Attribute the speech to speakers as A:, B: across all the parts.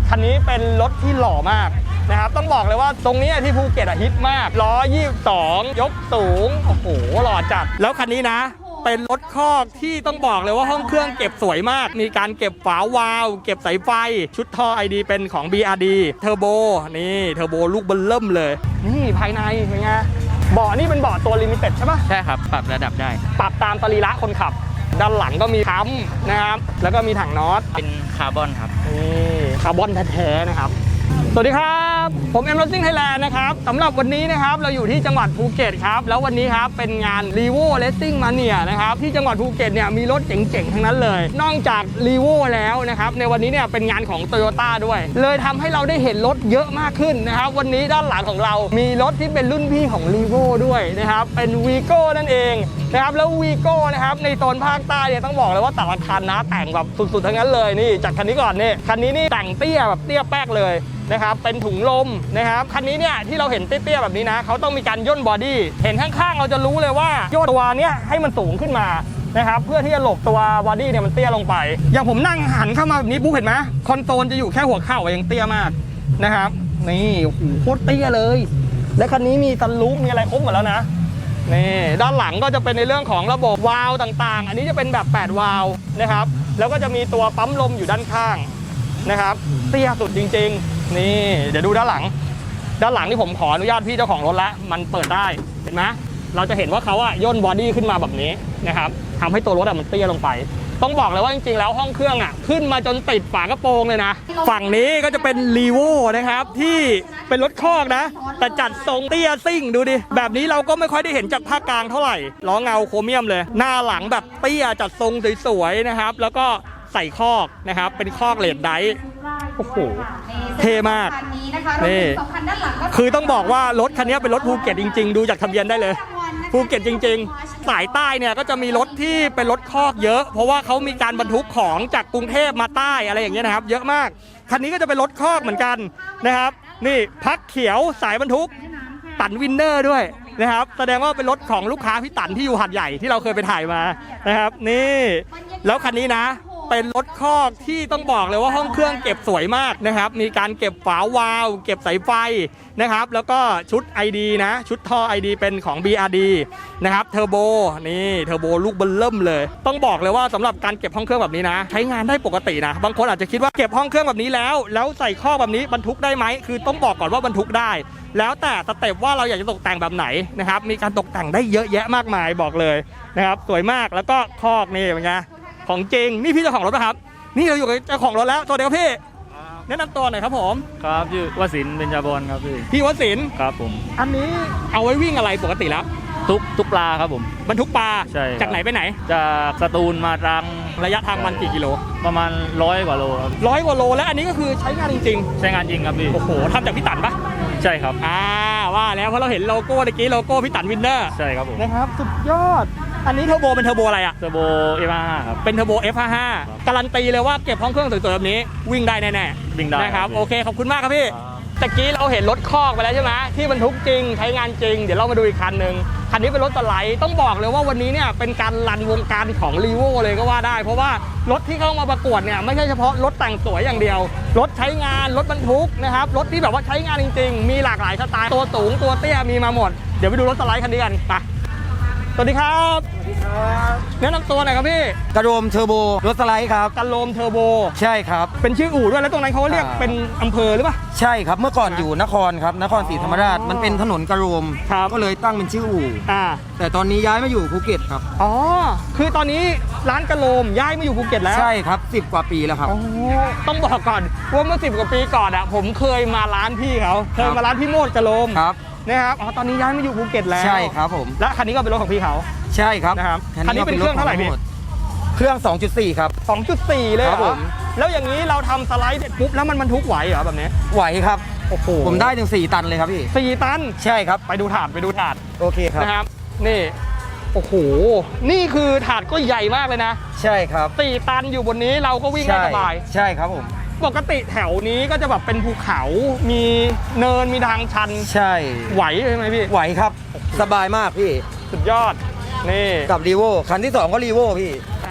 A: คันนี้เป็นรถที่หล่อมากนะครับต้องบอกเลยว่าตรงนี้ที่ภูเก็ตฮิตมากล้อ22ยกสูงโอ้โหหล่อจัดแล้วคันนี้นะเป็นรถคอกที่ต้องบอกเลยว่าห้องเครื่องเก็บสวยมากมีการเก็บฝาวาล์วเก็บสายไฟชุดท่อ ID เป็นของ BRD เทอร์โบนี่เทอร์โบลูกเบิ่มเริ่มเลยนี่ภายในเป็นไงเบาะนี่เป็นเบาะตัวลิมิเต็ดใช่ปะ
B: ใช่ครับปรับระดับได้
A: ปรับตามสรีระคนขับด้านหลังก็มีค้ำนะครับแล้วก็มีถังน็อต
B: เป็นคาร์บอนครับ
A: นี่คาร์บอนแท้ๆนะครับสวัสดีครับผมเอ็มรถซิ่งไทยแลนด์นะครับสำหรับวันนี้นะครับเราอยู่ที่จังหวัดภูเก็ตครับแล้ววันนี้ครับเป็นงาน Revo Racing Mania นะครับที่จังหวัดภูเก็ตเนี่ยมีรถเจ๋งๆทั้งนั้นเลยนอกจาก Revo แล้วนะครับในวันนี้เนี่ยเป็นงานของ Toyota ด้วยเลยทำให้เราได้เห็นรถเยอะมากขึ้นนะครับวันนี้ด้านหลังของเรามีรถที่เป็นรุ่นพี่ของ Revo ด้วยนะครับเป็น Vigo นั่นเองนะครับแล้ว Vigo นะครับในโซนภาคใต้เนี่ยต้องบอกเลยว่าแต่ละคันนะแต่งแบบสุดๆทั้งนั้นเลยนี่จากคันนี้ก่อนนี่คันนี้นี่แต่งเตี้ยแบบเตี้ยแป๊กเลยนะครับเป็นถุงลมนะครับคันนี้เนี่ยที่เราเห็นเตี้ยๆแบบนี้นะเขาต้องมีการย่นบอดี้เห็นข้างๆเราจะรู้เลยว่าย่นตัวเนี้ยให้มันสูงขึ้นมานะครับเพื่อที่จะหลบตัวบอดี้เนี่ยมันเตี้ยลงไปอย่างผมนั่งหันเข้ามาแบบนี้ปุ๊บเห็นไหมคอนโซลจะอยู่แค่หัวเข่ายังเตี้ยมากนะครับนี่โอ้โหโคตรเตี้ยเลยและคันนี้มีซันรูฟมีอะไรครบหมดแล้วนะนี่ด้านหลังก็จะเป็นในเรื่องของระบบวาล์วต่างๆอันนี้จะเป็นแบบ8วาล์วนะครับแล้วก็จะมีตัวปั๊มลมอยู่ด้านข้างนะครับเตี้ยสุดจริงๆนี่เดี๋ยวดูด้านหลังที่ผมขออนุญาตพี่เจ้าของรถแล้วมันเปิดได้เห็นไหมเราจะเห็นว่าเขาอะย่นบอดี้ขึ้นมาแบบนี้นะครับทำให้ตัวรถอะมันเตี้ยลงไปต้องบอกเลยว่าจริงๆแล้วห้องเครื่องอะขึ้นมาจนติดฝากระโปรงเลยนะฝั่งนี้ก็จะเป็น Revo นะครับที่เป็นรถคอกนะแต่จัดทรงเตี้ยซิ่งดูดิแบบนี้เราก็ไม่ค่อยได้เห็นจากภาคกลางเท่าไหร่ล้อเงาโครเมียมเลยหน้าหลังแบบเตี้ยจัดทรงสวยๆนะครับแล้วก็ใส่คอกนะครับเป็นคอกเลดไดท์โอ้โหเท่มากนี่คือต้องบอกว่ารถคันนี้เป็นรถภูเก็ตจริงๆดูจากทะเบียนได้เลยภูเก็ตจริงๆสายใต้เนี่ยก็จะมีรถที่เป็นรถคอกเยอะเพราะว่าเขามีการบรรทุกของจากกรุงเทพมาใต้อะไรอย่างเงี้ยนะครับเยอะมากคันนี้ก็จะเป็นรถคอกเหมือนกันนะครับนี่พักเขียวสายบรรทุกตันวินเนอร์ด้วยนะครับแสดงว่าเป็นรถของลูกค้าพี่ตันที่อยู่หาดใหญ่ที่เราเคยไปถ่ายมานะครับนี่แล้วคันนี้นะเป็นรถคอกที่ต้องบอกเลยว่าห้องเครื่องเก็บสวยมากนะครับมีการเก็บฝาวาล์วเก็บสายไฟนะครับแล้วก็ชุด ID นะชุดท่อ ID เป็นของ BRD นะครับเทอร์โบนี่เทอร์โบลูกเบิ่มเริ่มเลยต้องบอกเลยว่าสำหรับการเก็บห้องเครื่องแบบนี้นะใช้งานได้ปกตินะบางคนอาจจะคิดว่าเก็บห้องเครื่องแบบนี้แล้วใส่ข้อแบบนี้บรรทุกได้ไหมคือต้องบอกก่อนว่าบรรทุกได้แล้วแต่สเต็ปว่าเราอยากจะตกแต่งแบบไหนนะครับมีการตกแต่งได้เยอะแยะมากมายบอกเลยนะครับสวยมากแล้วก็คอกนี่เป็นไงของจริงนี่พี่เจ้าของรถนะครับนี่เราอยู่กับเจ้าของรถแล้วตัวเดียวพี่แนะนำตัวหน่อยครับผม
B: ครับชื่อวสินทร์เบญจบรครับ
A: พี่วสินทร์
B: ครับผม
A: อันนี้เอาไว้วิ่งอะไรปกติแล้ว
B: ทุกปลาครับผม
A: บรรทุกปลา
B: ใช่
A: จากไหนไปไหน
B: จากสตูลมาตรัง
A: ระยะทางมันกี่กิโล
B: ประมาณ100 กว่าโลครับ
A: 100 กว่าโลและอันนี้ก็คือใช้งานจริง
B: ๆใช้งานจริงครับพี่
A: โอ้โหทำจากพี่ตันปะ
B: ใช่ครับ
A: ว่าแล้วเพราะเราเห็นโลโก้เมื่อกี้โลโก้พี่ตันวินเนอร์
B: ใช่ครับผม
A: นะครับสุดยอดอันนี้เทอร์โบเป็นเทอร์โบอะไรอะ
B: เทอร์โบ F55 ครับ
A: เป็นเทอร์โบ F55 การันตีเลยว่าเก็บห้องเครื่องสวยๆแบบนี้วิ่งได้แน่
B: ๆวิ่งได้
A: นะครับโอเคขอบคุณมากครับพี่ตะกี้เราเห็นรถคอกไปแล้วใช่ไหมที่บรรทุกจริงใช้งานจริงเดี๋ยวเรามาดูอีกคันหนึ่งคันนี้เป็นรถสไลด์ต้องบอกเลยว่าวันนี้เนี่ยเป็นการรันวงการของ Revo เลยก็ว่าได้เพราะว่ารถที่เข้ามาประกวดเนี่ยไม่ใช่เฉพาะรถแต่งสวยอย่างเดียวรถใช้งานรถบรรทุกนะครับรถที่แบบว่าใช้งานจริงๆมีหลากหลายสไตล์ตัวสูงตัวเตี้ยมีมาหมดเดี๋ยวไปดูรถสไลด์คันนี้กันไปสวัสดีครับ
C: สวัสดีครับ
A: แนะนำตัวหน่อยครับพี่
C: กระโดมเทอร์โบรถสไลด์ครับ
A: กระโดมเทอร์โบ
C: ใช่ครับ
A: เป็นชื่ออู่ด้วยแล้วตรงนั้นเขาเรียกเป็นอำเภอหรือเปล่า
C: ใช่ครับเมื่อก่อนอยู่นครครับนครศรีธรรมราชมันเป็นถนนกระโดมก็เลยตั้งเป็นชื่ออู่แต่ตอนนี้ย้ายมาอยู่ภูเก็ตครับ
A: อ๋อคือตอนนี้ร้านกระโดมย้ายมาอยู่ภูเก็ตแล้ว
C: ใช่ครับ10 กว่าปีแล้วครับ
A: ต้องบอกก่อนว่าเมื่อ10 กว่าปีก่อนผมเคยมาร้านพี่เขาเคยมาร้านพี่โมดกระโดม
C: ครับ
A: นะครับตอนนี้ย้ายมาอยู่ภูเก็ตแล้ว
C: ใช่ครับผม
A: และคันนี้ก็เป็นรถของพี่เขา
C: ใช่ครับ
A: นะครับคันนี้เป็นเครื่องเท่าไหร่พี่
C: เครื่อง 2.4 ครับ
A: 2.4 เลยครับผมแล้วอย่างนี้เราทำสไลด์เสร็จปุ๊บแล้วมันบรรทุกไหวเหรอแบบนี้
C: ไหวครับ
A: โอ้โห
C: ผมได้ถึง4 ตันเลยครับพี่
A: 4 ตัน
C: ใช่ครับ
A: ไปดูถาด
C: โอเคครับ
A: นะครับนี่โอ้โหนี่คือถาดก็ใหญ่มากเลยนะ
C: ใช่ครับ
A: 4 ตันอยู่บนนี้เราก็วิ่งได้สบาย
C: ใช่ครับผม
A: ปกติแถวนี้ก็จะแบบเป็นภูเขามีเนินมีทางชัน
C: ใช่
A: ไหวใช่ไหมพี่
C: ไหวครับสบายมากพี่
A: สุดยอดนี่
C: กับรีโวคันที่2ก็รีโวพี่
A: ครับ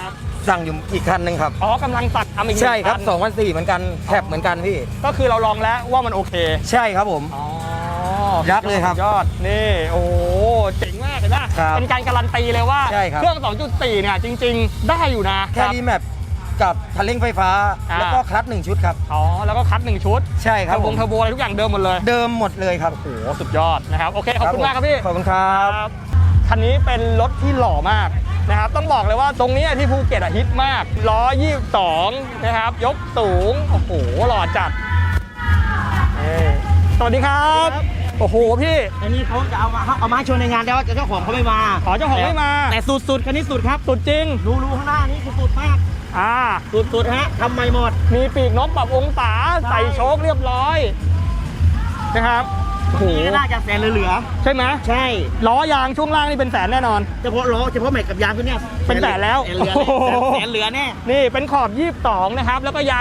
C: สั่งอยู่อีกคันหนึ่งครับ
A: อ๋อกำลังตัดทำอีก
C: ใช่ครับ
A: 2
C: 2,400เหมือนกันแคปเหมือนกันพี่
A: ก็คือเราลองแล้วว่ามันโอเค
C: ใช่ครับผม
A: อ๋อ
C: ยักษ์เลยครับ
A: สุดยอดนี่โอ้โหเจ๋งมากเลยนะครับ เป็นการการันตีเลยว่า
C: ใช่ครับ
A: เครื่อง 2.4 เนี่ยจริง ๆ ได้อยู่นะ
C: แค่รีแมปกับคันเร่งไฟฟ้า แล้วก็คลัตช์1ชุดครับ
A: อ๋อแล้วก็คัด1ชุด
C: ใช่ครับ
A: เทอร์โบเทอร์โบอะไรทุกอย่างเดิมหมดเลย
C: เดิมหมดเลยครับ
A: โอ้โหสุดยอดนะครับโอเคขอบคุณมากครับพี่
C: ขอบคุณครับ
A: คันนี้เป็นรถที่หล่อมากนะครับต้องบอกเลยว่าตรงนี้ที่ภูเก็ตฮิตมากล้อ22นะครับยกสูงโอ้โหหล่อจัดสวัสดีครับโอ้โหพี่
D: อันนี้เขาจะเอามาโชว์ในงานแล้วเจ้าของเขาไม่มา
A: ขอเจ้าของไม่มา
D: แต่สุดคันนี้สุดครับ
A: สุดจริง
D: รูข้างหน้านี่คือสุดมาก สุดฮะทำใหม่หมด
A: มีปีกนกปรับองศาใส่โชคเรียบร้อยนะครับโอ้โห
D: นี่ก็น่าจะแสนเหลือ
A: ใช่ไหม
D: ใช่
A: ล้อยางช่วงล่างนี่เป็นแสนแน่นอน
D: เฉพาะล้อเฉพาะแม็กกับยางตัวเนี้ย
A: เป็นแสนแล้ว
D: แสนเหลือแน่
A: นี่เป็นขอบ22นะครับแล้วก็ยาง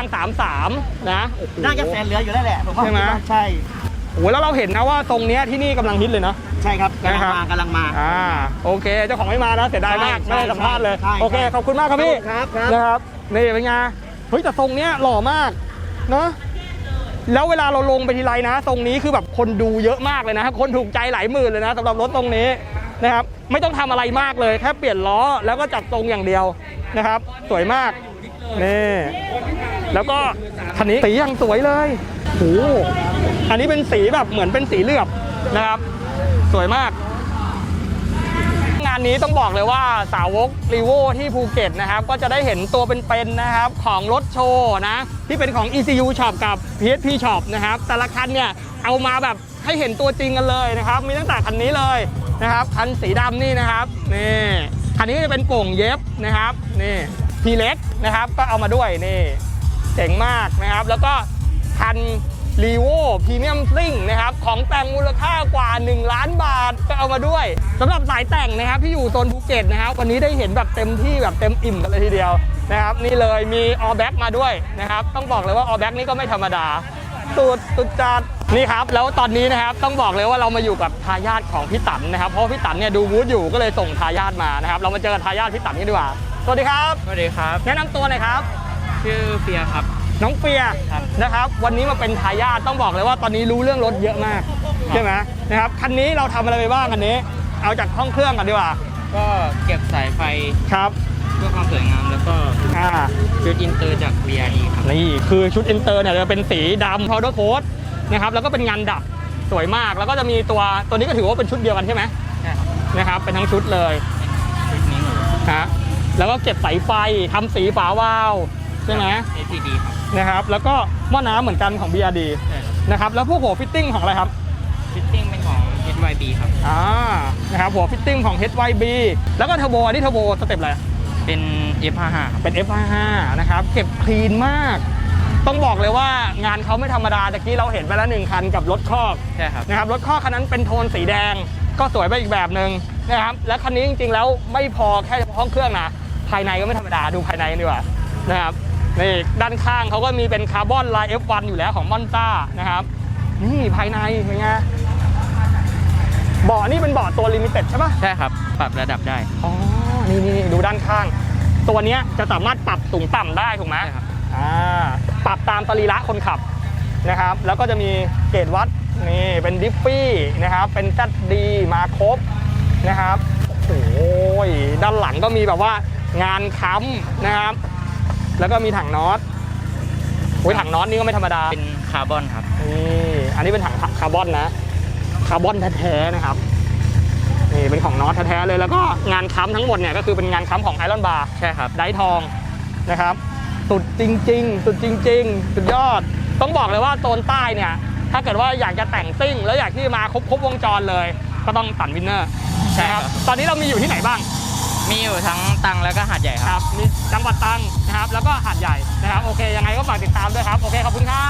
A: 33นะโอ้โห
D: น่าจะแสนเหลืออยู่แล้วแหละผมว่า
A: ใช่ไหม
D: ใช่
A: โอ้โหแล้วเราเห็นนะว่าตรงเนี้ยที่นี่กำลังฮิตเลยเนาะ
D: ใช่ครับกำลัง
A: นะครับ
D: มากำลังมา
A: โอเคเจ้าของไม่มานะเสียดายมาก
D: ใช่
A: ไม่ได้สัมภาษณ์เลย
D: ใช่
A: โอเคขอบคุณมากครับพี่
D: ครับ
A: นะครับนี่เป็นไงเฮ้ยแต่ทรงเนี้ยหล่อมากเนาะแล้วเวลาเราลงไปทีไรนะตรงนี้คือแบบคนดูเยอะมากเลยนะคนถูกใจหลายหมื่นเลยนะสำหรับรถตรงนี้นะครับไม่ต้องทำอะไรมากเลยแค่เปลี่ยนล้อแล้วก็จับตรงอย่างเดียวนะครับสวยมากนี่แล้วก็คันนี้สียังสวยเลยโอ้โหอันนี้เป็นสีแบบเหมือนเป็นสีเหลือบนะครับสวยมากงานนี้ต้องบอกเลยว่าสาวกรีโวที่ภูเก็ตนะครับก็จะได้เห็นตัวเป็นๆนะครับของรถโชว์นะที่เป็นของ ECU Shop กับ PSP Shop นะครับแต่ละคันเนี่ยเอามาแบบให้เห็นตัวจริงกันเลยนะครับมีตั้งแต่คันนี้เลยนะครับคันสีดำนี่นะครับนี่คันนี้ก็จะเป็นโป่งเย็บนะครับนี่ทีเล็กนะครับก็เอามาด้วยนี่เจ๋งมากนะครับแล้วก็คันรีโวพรีเมียมซิ่งนะครับของแต่งมูลค่ากว่า1 ล้านบาทก็เอามาด้วยสำหรับสายแต่งนะครับที่อยู่โซนภูเก็ตนะครับวันนี้ได้เห็นแบบเต็มที่แบบเต็มอิ่มกันเลยทีเดียวนะครับนี่เลยมีออแบ็กมาด้วยนะครับต้องบอกเลยว่าออแบ็กนี่ก็ไม่ธรรมดาสุดจัดนี่ครับแล้วตอนนี้นะครับต้องบอกเลยว่าเรามาอยู่กับทายาทของพี่ตันนะครับเพราะพี่ตันเนี่ยดูวูดอยู่ก็เลยส่งทายาทมานะครับเรามาเจอกับทายาทพี่ตันกันดีกว่าสวัสดีครับ
B: สวัสดีครับ
A: แนะนำตัวหน่อยครับ
B: ชื่อเฟียครับ
A: น้องเฟีย
B: ครับ
A: นะครับวันนี้มาเป็นทายาทต้องบอกเลยว่าตอนนี้รู้เรื่องรถเยอะมากใช่ไหมนะครับคันนี้เราทำอะไรไปบ้างคันนี้เอาจากห้องเครื่องกันดีกว่า
B: ก็เก็บสายไฟ
A: ครับ
B: เพื่อความสวยงามแล้วก็ ชุดอินเตอร์จาก VRD ครับ
A: นี่คือชุดอินเตอร์เนี่ยจะเป็นสีดำ powder coat นะครับแล้วก็เป็นงานดับสวยมากแล้วก็จะมีตัวนี้ก็ถือว่าเป็นชุดเดียวกันใช่ไหม
B: ใช่ครับ
A: นะครับเป็นทั้งชุดเลย
B: ชุดนี้หมด
A: ฮะแล้วก็เก็บสายไฟทำสีฝาวาล์วใช่ไหม
B: ACD ครับ
A: นะครับแล้วก็หม้อน้ำเหมือนกันของ BRD
B: ใช่ครับ
A: นะครับแล้วพวกหัวฟิตติ้งของอะไรครับ
B: ฟิตติ้งเป็นของ HYB ครับ
A: นะครับหัวฟิตติ้งของ HYB แล้วก็เทอร์โบอันนี้เทอร์โบสเต็ปอะไร
B: เป็น F55 ครับ
A: เป็น F55 นะครับเก็บคลีนมาก ต้องบอกเลยว่างานเขาไม่ธรรมดาตะกี้เราเห็นไปแล้ว1 คันกับรถคอก
B: ใช่ครับ
A: นะครับรถคอกคันนั้นเป็นโทนสีแดงก็สวยไปอีกแบบหนึ่งนะครับและคันนี้จริงๆแล้วไม่พอแค่เฉพาะห้องเครื่องนะภายในก็ไม่ธรรมดาดูภายในกันดีกว่านะครับนี่ด้านข้างเขาก็มีเป็นคาร์บอนลาย F1 อยู่แล้วของมอนต้านะครับนี่ภายในเป็นไงเบาะนี่เป็นเบาะตัวลิมิเต็ดใช่ปะ
B: ใช่ครับ ปรับระดับได้
A: อ๋อนี่ดูด้านข้าง ตัวเนี้ยจะสามารถปรับสูงต่ำได้ถูกไหม
B: ใช่ครับ
A: ปรับตามสรีระคนขับนะครับแล้วก็จะมีเกจวัดนี่เป็นดิฟฟี่นะครับเป็น ZD มาครบนะครับโอ้ยด้านหลังก็มีแบบว่างานค้ำนะครับแล้วก็มีถังน็อตโอ้ยถังน็อตนี่ก็ไม่ธรรมดา
B: เป็นคาร์บอนครับ
A: นี่อันนี้เป็นถังคาร์บอนนะคาร์บอนแท้ๆนะครับนี่เป็นของน็อตแท้ๆเลยแล้วก็งานค้ำทั้งหมดเนี่ยก็คือเป็นงานค้ำของไอรอนบาร์
B: ใช่ครับ
A: ไดทองนะครับสุดจริงๆสุดยอดต้องบอกเลยว่าโซนใต้เนี่ยถ้าเกิดว่าอยากจะแต่งซิ่งแล้วอยากที่มาครบวงจรเลยก็ต้องตันวินเนอร์
B: ใช่ครับ
A: ตอนนี้เรามีอยู่ที่ไหนบ้าง
B: มีอยู่ทั้งตังแล้วก็หาดใหญ่ค
A: ครับ รับมีจังหวัดตรังนะครับแล้วก็หาดใหญ่นะครับโอเคยังไงก็ฝากติดตามด้วยครับโอเคขอบคุณครั
B: ขอบบ คุณครับ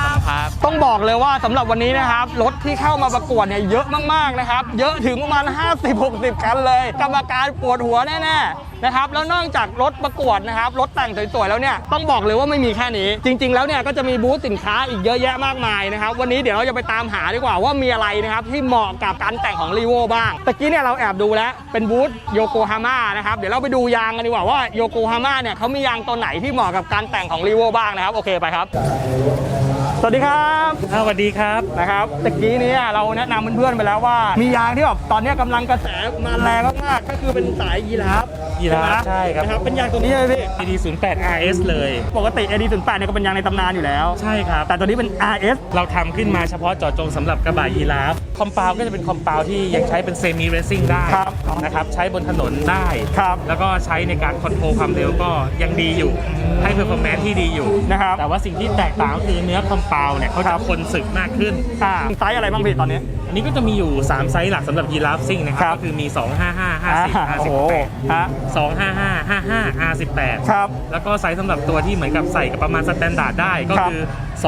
A: ต้องบอกเลยว่าสำหรับวันนี้นะครับรถที่เข้ามาประกวดเนี่ยเยอะมากๆนะครับเยอะถึงประมาณ 50-60 คันเลยกรรมการปวดหัวแน่ๆนะครับแล้วนอกจากรถประกวดนะครับรถแต่งสวยๆแล้วเนี่ยต้องบอกเลยว่าไม่มีแค่นี้จริงๆแล้วเนี่ยก็จะมีบูธสินค้าอีกเยอะแยะมากมายนะครับวันนี้เดี๋ยวเราจะไปตามหาดีกว่าว่ามีอะไรนะครับที่เหมาะกับการแต่งของ Revo บ้างตะกี้เนี่ยเราแอบดูแล้วเป็นบูธโยโกฮาม่านะครับเดี๋ยวเราไปดูยางกันดีกว่าว่าโยโกฮาม่าเนี่ยเขามียางตัวไหนที่เหมาะกับการแต่งของ Revo บ้างนะครับโอเคไปครับสวัสดีครับ
D: สวัสดีครับ
A: นะครับตะกี้นี้เราแนะนำเพื่อนๆไปแล้วว่ามียางที่แบบตอนนี้กำลังกระแสมาแรงมากๆก็คือเป็นสายยีราฟ
D: ใช่ครับ
A: นะครับเป็นยางตัวนี้ใช่ไหมพี่
D: AD08 RS เลย
A: ปกติ AD08 เนี่ยก็เป็นยางในตำนานอยู่แล้ว
D: ใช่ครับ
A: แต่ตัวนี้เป็น RS
D: เราทำขึ้นมาเฉพาะเจาะจงสำหรับกระบะยีราฟคอมเปาก็จะเป็นคอมเปาที่ยังใช้เป็นเซมิเรซิ่งได้
A: ครับ
D: นะครับใช้บนถนนได้
A: ครับ
D: แล้วก็ใช้ในการคอนโทรลความเร็วก็ยังดีอยู่ให้เพอร์ฟอร์แมนซ์ที่ดีอยู่
A: นะครับ
D: แต่ว่าสิ่งที่แตกต่างก็คือเนื้อคอมเปาเนี่ยเขา
A: ครั
D: จะ
A: บ
D: ทนสึกมากขึ้น
A: ไซส์อะไรบ้างพี่ตอนนี้
D: อันนี้ก็จะมีอยู่ 3 ไซส์หลักสำหรับยีราฟซิ่งนะค
A: ครั
D: รับบ ก็คือมี 255
A: โอ้โห
D: 50
A: ฮะ
D: 58 255 55 R18
A: ครับ
D: แล้วก็ไซส์สำหรับตัวที่เหมือนกับใส่กับประมาณสแตนดาร์ดได้ก็
A: ครับ
D: คือ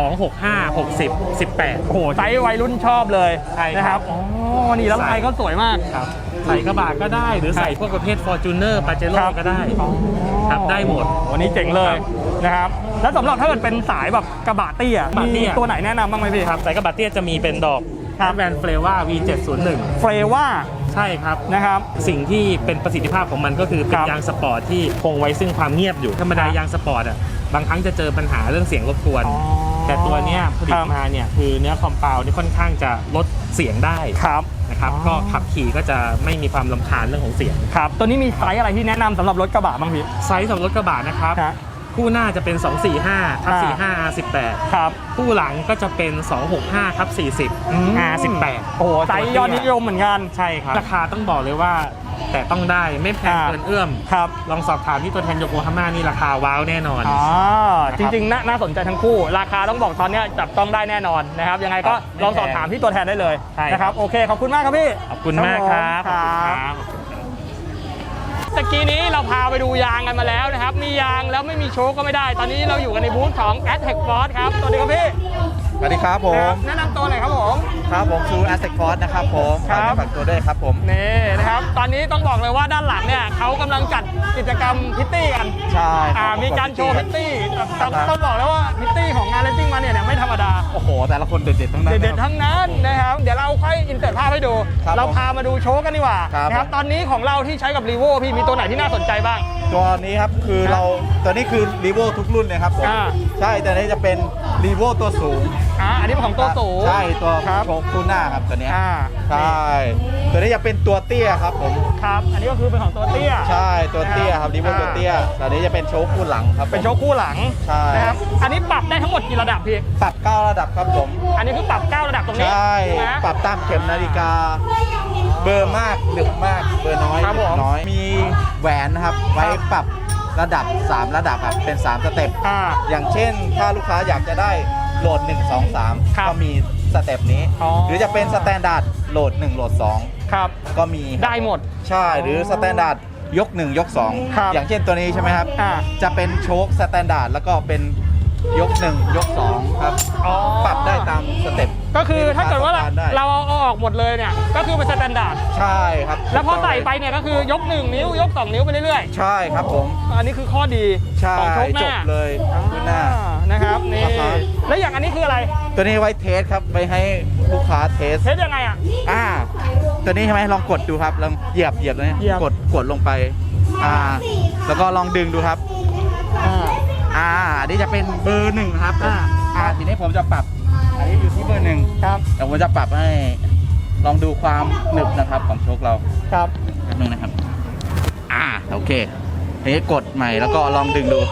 D: 265 60 18
A: โอ้โหไซส์วัยรุ่นชอบเลย
D: ใช่ครับ
A: นะครับอ๋อนี่แล้วลายก็สวยมาก
D: ครับใส่กระบะก็ได้หรือใส่พวกประเภท Fortuner Pajero ก็ได้ครับได้หมด
A: วันนี้เจ๋งเลยนะครับแล้วสำหรับถ้าเกิดเป็นสายแบบกระบะเตี้ย
D: กระบะเตี้
A: มี
D: ย
A: ตัวไหนแนะนำบ้างไหมพี่
D: ครับใส่กระบะเตี้ยจะมีเป็นดอก
A: ครับ
D: แบรนด์เฟลว่า V701
A: เฟรว่า
D: ใช่ครับ
A: นะครับ
D: สิ่งที่เป็นประสิทธิภาพของมันก็คือเป็
A: คน รับ
D: ยางสปอร์ตที่คงไว้ซึ่งความเงียบอยู่ธรรมดายางสปอร์ตอ่ะบางครั้งจะเจอปัญหาเรื่องเสียงรบกวน
A: อ๋อ
D: แต่ตัวเนี้ยผลิ
A: ค
D: ต
A: รับ
D: มาเนี่ยคือเนื้อคอมเปานี่ค่อนข้างจะลดเสียงได้
A: ครับ
D: นะครับ
A: อ๋อ
D: ก็ขับขี่ก็จะไม่มีความรำคาญเรื่องของเสียง
A: ครับตัวนี้มีไซส์อะไรที่แนะนำสำหรับรถกระบะบ้างพี่
D: ไซส์สำหรับรถกระบะนะครับ
A: ฮะ
D: คู่หน้าจะเป็น 245ทับ45 R18
A: ครับ
D: คู่หลังก็จะเป็น 265ทับ40 R18
A: โอ้โหไซส์ยอดนิยมเหมือนกัน
D: ใช่ครับราคาต้องบอกเลยว่าแต่ต้องได้ไม่แพงเกินเอื้อม
A: ครับ
D: ลองสอบถามที่ตัวแทนโยโกฮาม่านี่ราคาว้าวแน่นอน
A: อ๋อจริงๆน่าสนใจทั้งคู่ ราคาต้องบอกตอนเนี้ยจับต้องได้แน่นอนนะครับยังไงก็
D: ครับ
A: ลองสอบถามที่ตัวแทนได้เลย
D: ใช่
A: นะครับโอเคขอบคุณมากครับพี่
D: ขอบคุณมากครับ
A: ค
D: ขอบคุณ
A: รับ
D: ครับ
A: ตะกี้นี้เราพาไปดูยางกันมาแล้วนะครับมียางแล้วไม่มีโชคก็ไม่ได้ ตอนนี้เราอยู่กันในบูธของ Aztec Force ครับสวัสดีครับพี่
C: สวัสดีครับผม
A: แนะนำตัวหน่อยครับผม
C: ครับผมซูแอสเซคฟอร์สนะครับผม
A: ครับ
C: ฝากตัวด้วยครับผม
A: นี่นะครับตอนนี้ต้องบอกเลยว่าด้านหลังเนี่ยเขากำลังจัดกิจกรรมพิตตี้กัน
C: ใช่ครับ
A: มีการโชว์พิตตี้แต่ต้องบอกเลยว่าพิตตี้ของงานเลสซิ่งมาเนี่ยไม่ธรรมดา
C: โอ้โห แต่ละคนเด็ดๆทั้งนั้น
A: เด็ดๆ
C: นะครับ
A: ทั้งนั้นนะครับเดี๋ยวเราค่อยอินเสิร์ตภาพให้ดู
C: ครับ
A: เราพามาดูโชว์กันดีกว่า
C: ครับ
A: นะครับตอนนี้ของเราที่ใช้กับ Revo พี่มีตัวไหนที่น่าสนใจบ้าง
C: ตัวนี้ครับคือเราตัวนี้คือรีโวทุกรุ่นเลยครับผม
A: อ่า
C: ใช่แต่นี้จะเป็นรีโวตัวสูง
A: อันนี้เป็นของตัวสูง
C: ใช่ตัว
A: ครับ
C: โชคคู่หน้าครับตัวเนี้ย
A: อ่า
C: ใช่ตัวนี้จะเป็นตัวเตี้ยครับผม
A: ครับอันนี้ก็คือเป็นของตัวเตี้ย
C: ใช่ตัวเตี้ยครับรีโว
A: อ่า
C: ตัวเตี้ยตัวนี้จะเป็นโชคคู่หลังครับผม
A: เป็นโชว์คู่หลัง
C: ใช่
A: นะครับอันนี้ปรับได้ทั้งหมดกี่ระดับพี่
C: ปรับ9ระดับครับผม
A: อันนี้คือปรับ 9 ระดับตรงนี้
C: ใช่
A: นะ
C: ปรับตามเข็มนาฬิกา เบอร์มากดึกมากเบอร์น้อย
A: ครับผม
C: ดึกน้อยมีแหวนนะครับไว้ปรับระดับ 3 ระดับครับเป็น 3 สเต็ป อย่างเช่น ถ้าลูกค้าอยากจะได้โหลด 1 2
A: ครับ
C: 3 ก็มีสเต็ปนี้
A: อ๋อ
C: หรือจะเป็นสแตนดาร์ดโหลด 1 โหลด
A: ครับ
C: 2 ก็มี
A: ได้หมด
C: ใช่หรือสแตนดาร์ดยก 1 ยก
A: ครับ
C: 2 อย่างเช่นตัวนี้ใช่ไหมครับ
A: อ่า
C: จะเป็นโชคสแตนดาร์ดแล้วก็เป็นยก 1 ยก 2 ครับ
A: อ๋อ
C: ปรับได้ตามสเต็ป
A: ก็คือถ้าเกิดว่า
C: ที่ลูกค้ต้องกได้
A: เราเอาออกหมดเลยเนี่ยก็คือเป็นสแตนดาร์ด
C: ใช่ครับ
A: แล้วพอใส่ไปเนี่ยก็คือยก 1 นิ้วยก 2 นิ้วไปเรื่อย
C: ใช่ครับผม
A: ๆอันนี้คือข้อดี
C: ใช่
A: ของโชคห
C: จ
A: น้า
C: บเลยขึ้นหน้า
A: นะครับนี่
C: ครับ
A: แล้วอย่างอันนี้คืออะไร
C: ตัวนี้ไว้เทสครับไว้ให้ลูกค้าเทส
A: เทสยังไงอ่ะ
C: ตัวนี้ใช่ไหมลองกดดูครับลองเหยียบเลย
A: เหยียบ
C: กดลงไปแล้วก็ลองดึงดูครับอันนี้จะเป็นเบอร์1ครับทีนี้ผมจะปรับอันนี้อยู่ที่เบอร์1
A: ครับ
C: แต่ผมจะปรับให้ลองดูความหนึบนะครับของโชคเรา
A: ครับ
C: แป๊บนึงนะครับโอเคทีนี้กดใหม่แล้วก็ลองดึงดู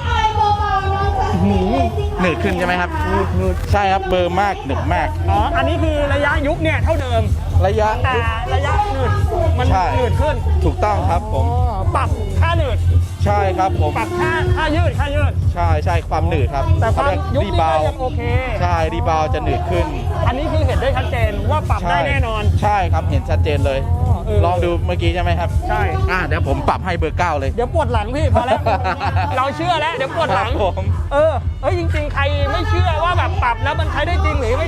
C: หนืดขึ้นใช่ไหมครับใช่ครับเบอร์มากหนึบมาก
A: อ๋ออันนี้คือระยะยุบเนี่ยเท่าเดิม
C: ระยะ
A: แต่ระยะหนืดมัน
C: ใช่
A: หนืดขึ้น
C: ถูกต้องครับผม
A: อ๋อปรับค่าหนืด
C: ใช่ครับผม
A: ปรับค่ายืด
C: ใช่ความหนืดครับ
A: แต่ความ
C: เรียก
A: ยุบ
C: รี
A: นี่
C: บา
A: ก็
C: ว
A: ยังโอเค
C: ใช่รีบาวจะหนืดขึ้น
A: อันนี้คือเห็นได้ชัดเจนว่าปรับได้แน่นอน
C: ใช่ครับเห็นชัดเจนเลย ลองดูเมื่อกี้ใช่ไหมครับ
A: ใช่
C: เดี๋ยวผมปรับให้เบอร์ 9 เลย
A: เดี๋ยวปวดหลังพี่พอ แล้ว เราเชื่อแล้วเดี๋ยวปวดหลัง
C: ครับผม
A: จริงๆใครไม่เชื่อว่าแบบปรับแล้วมันใช้ได้จริงหรือไม่